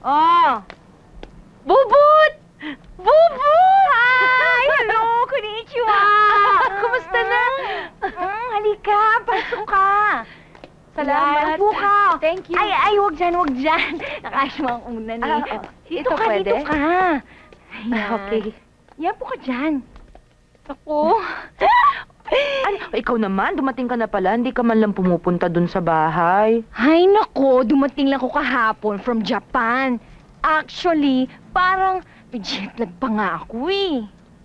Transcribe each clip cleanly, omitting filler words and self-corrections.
Oh! Bubut! Bubut! Hi! Hello! Konnichiwa! Kumusta na? Halika, pasok ka. Salamat. Upo ka. Thank you. Ay, wag dyan. Nakasma ang unan eh. Ito Dito ka, pwede? dito ka. Ayan. Okay. Yan po ka dyan. Ako? Ano? Ikaw naman, dumating ka na pala. Hindi ka man lang pumupunta dun sa bahay. Ay, nako, dumating lang ko kahapon from Japan. Actually, parang may jet lag pa nga ako eh.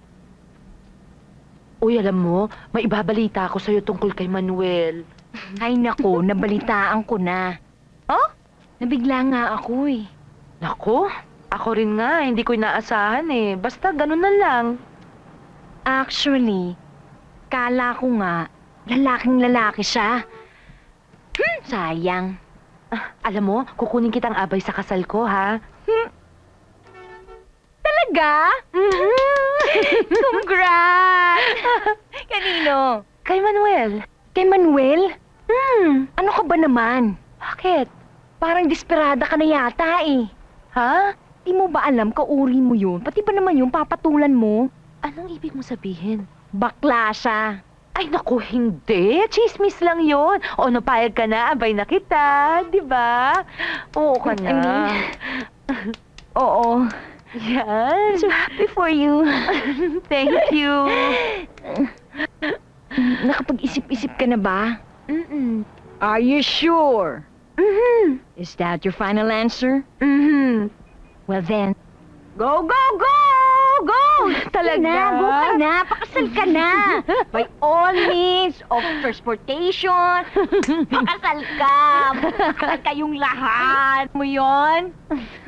Uy, alam mo, may ibabalita ako sa'yo tungkol kay Manuel. Ay, nako, nabalitaan ko na. Oh? Nabigla nga ako eh. Nako, ako rin nga. Hindi ko inaasahan eh. Basta ganun na lang. Actually, kala ko nga, lalaking lalaki siya. Sayang. Alam mo, kukunin kitang abay sa kasal ko, ha? Talaga? Congrats! Kanino? Kay Manuel. Kay Manuel? Ano ka ba naman? Bakit? Parang desperada ka na yata eh. Ha? Di mo ba alam kauri mo yun? Pati ba naman yung papatulan mo? Anong ibig mo sabihin? Bakla siya. Ay, naku, hindi. Chismis lang yon. O, napayag ka na, abay na kita. Di ba? Oo ka na. Oo. Yan. So happy for you. Thank you. Nakapag-isip-isip ka na ba? Mm-mm. Are you sure? Mhm. Is that your final answer? Mhm. Well then, go, go, go! Go! Talaga? Go ka na, pakasal ka na. By all means of transportation, pakasal ka. Pakasal kayong lahat. Mo yon?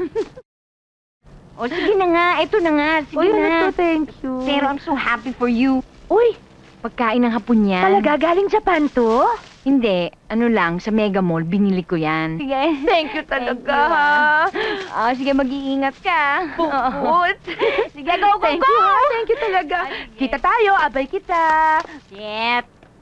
O sige na nga, eto na nga, sige Uy, na. ano to, thank you. Pero I'm so happy for you. Uy, Pagkain ng hapon yan. talaga galing Japan to? Hindi, ano lang, sa Mega Mall, binili ko yan. Sige. Thank you Thank talaga. you, ah. Sige, mag-iingat ka. Bukod. Sige, go, go, Thank go! you. Thank you talaga. Ay, sige. Kita tayo, abay kita. Yep.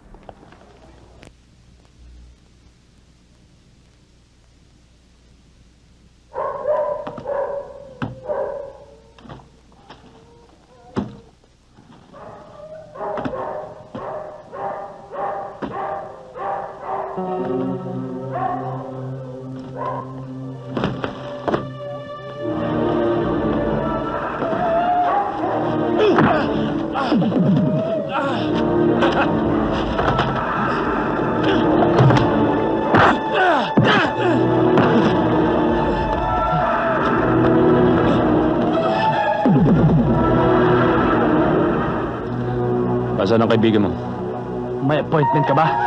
Saan ang kaibigan mo? May appointment ka ba?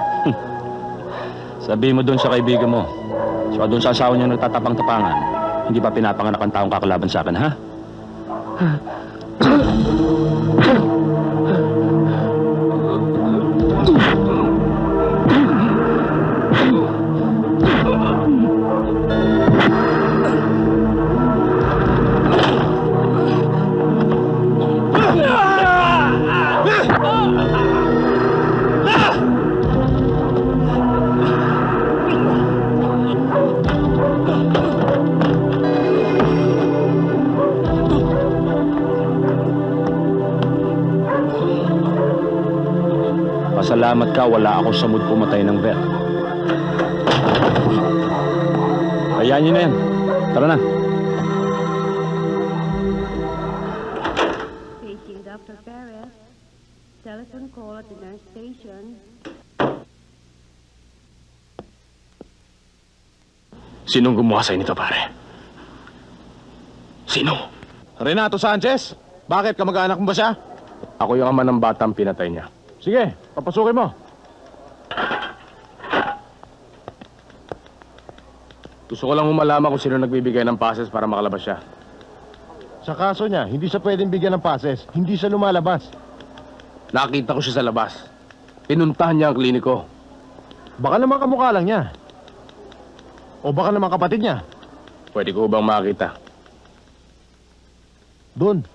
Sabi mo doon sa kaibigan mo. Saka doon sa asawa niya nagtatapang-tapangan. Hindi ba pinapanganak ang taong kakalaban sa akin, ha? Pasalamat ka, wala ako sa mood pumatay ng vet. Hayaan niyo na yan. Tara na. Paging Dr. Perez. Telephone call at the nurse station. Sinong gumawa sa'yo nito, pare? Sino? Renato Sanchez? Bakit? Kamag-anak mo ba siya? Ako yung ama ng batang pinatay niya. Sige, papasukin mo. Gusto ko lang malaman kung sino nagbibigay ng passes para makalabas siya. Sa kaso niya, hindi siya pwedeng bigyan ng passes. Hindi siya lumalabas. Nakita ko siya sa labas. Pinuntahan niya ang kliniko. Baka naman kamukha lang niya. O baka naman kapatid niya. Pwede ko bang makita? Doon.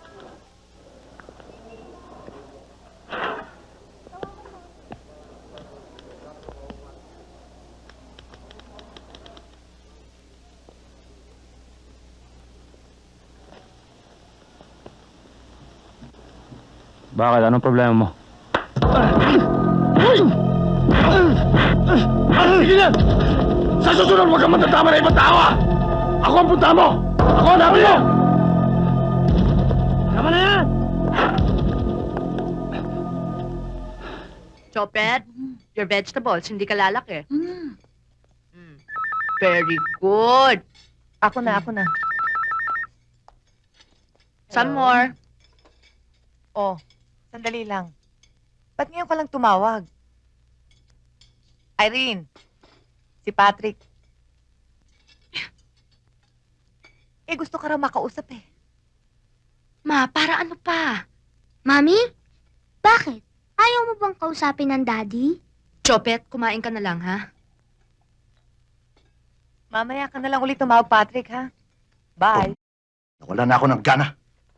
Bakit? Anong problema mo? Sige na! Sa susunod, huwag kang matatama na ibang tao, ha? Ako ang punta mo! Ako ang namin mo! Tama na yan! Chopet, your vegetables, hindi ka lalaki. Very good. Ako na. Some more. Oh, sandali lang. Ba't ngayon ka lang tumawag? Irene, si Patrick. Gusto ka raw makausap eh. Ma, para ano pa? Mami? Bakit? Ayaw mo bang kausapin ng daddy? Chopet, kumain ka na lang, ha? Mamaya ka na lang ulit tumawag, Patrick, ha? Bye. Wala na ako ng gana.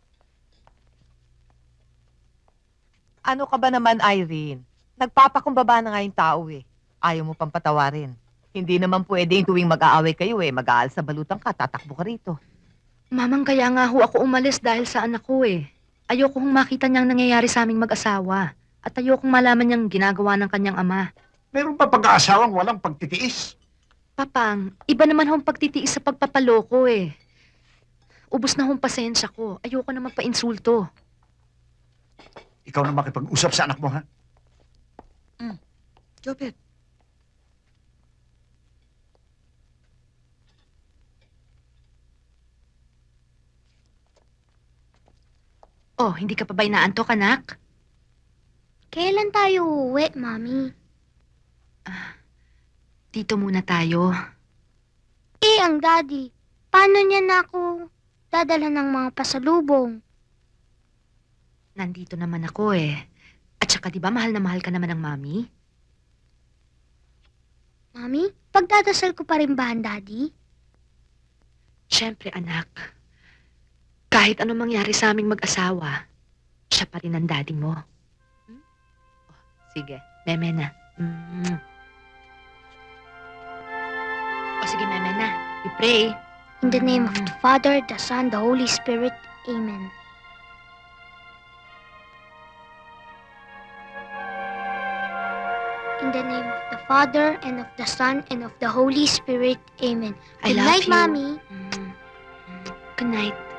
Ano ka ba naman, Irene? Nagpapakumbaba na nga yung tao eh. Ayaw mo pang patawarin. Hindi naman pwedeng tuwing mag-aaway kayo eh. Mag-aal sa balutan ka, tatakbo ka rito. Mamang, kaya nga ho ako umalis dahil sa anak ko eh. Ayoko hong makita niyang nangyayari sa aming mag-asawa. At ayokong malaman niyang ginagawa ng kanyang ama. Meron pa pag-aasawang walang pagtitiis. Papang, iba naman hong pagtitiis sa pagpapaloko eh. Ubus na hong pasensya ko. Ayoko na magpa-insulto. Ikaw na makipag-usap sa anak mo, ha? Jopet. Oh, hindi ka pa ba inaantok, anak? Kailan tayo uuwi, Mami? Dito muna tayo. Ang daddy. Paano niya na ako dadala ng mga pasalubong? Nandito naman ako eh. At saka di ba mahal na mahal ka naman ng mami? Mami, pagdadasal ko pa rin ba ang daddy? Siyempre, anak. Kahit anong mangyari sa aming mag-asawa, siya pa rin ang daddy mo. Oh, sige, meme na. O sige, meme na. We pray. In the name of the Father, the Son, the Holy Spirit. Amen. In the name of the Father, and of the Son, and of the Holy Spirit. Amen. I Good love night, you. Mommy. Good night.